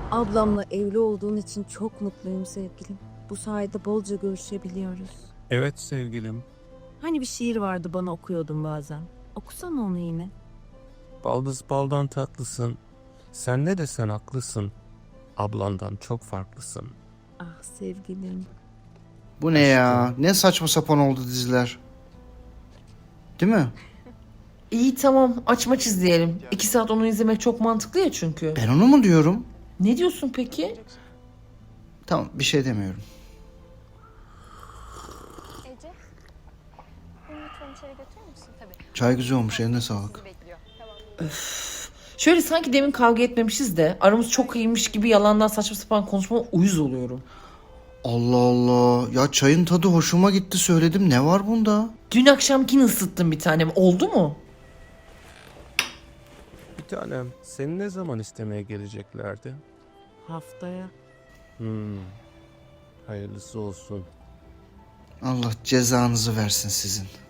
Ablamla evli olduğun için çok mutluyum sevgilim. Bu sayede bolca görüşebiliyoruz. Evet sevgilim. Hani bir şiir vardı bana okuyordun bazen. Okusana onu yine. Baldız baldan tatlısın. Sen ne desen haklısın. Ablandan çok farklısın. Ah sevgilim. Bu ne ya? Ne saçma sapan oldu diziler. Değil mi? İyi tamam aç maç izleyelim. 2 saat onu izlemek çok mantıklı ya çünkü. Ben onu mu diyorum? Ne diyorsun peki? Tamam, bir şey demiyorum. Ece, beni lütfen içeri götürür müsün? Tabii. Çay güzel olmuş, eline sağlık. Bekliyor. Tamam. Şöyle sanki demin kavga etmemişiz de aramız çok iyiymiş gibi yalandan saçma sapan konuşmama uyuz oluyorum. Allah Allah. Ya çayın tadı hoşuma gitti, söyledim. Ne var bunda? Dün akşamkini ısıttım bir tanem. Oldu mu? Bir tanem, seni ne zaman istemeye geleceklerdi? Haftaya. Hayırlısı olsun. Allah cezanızı versin sizin.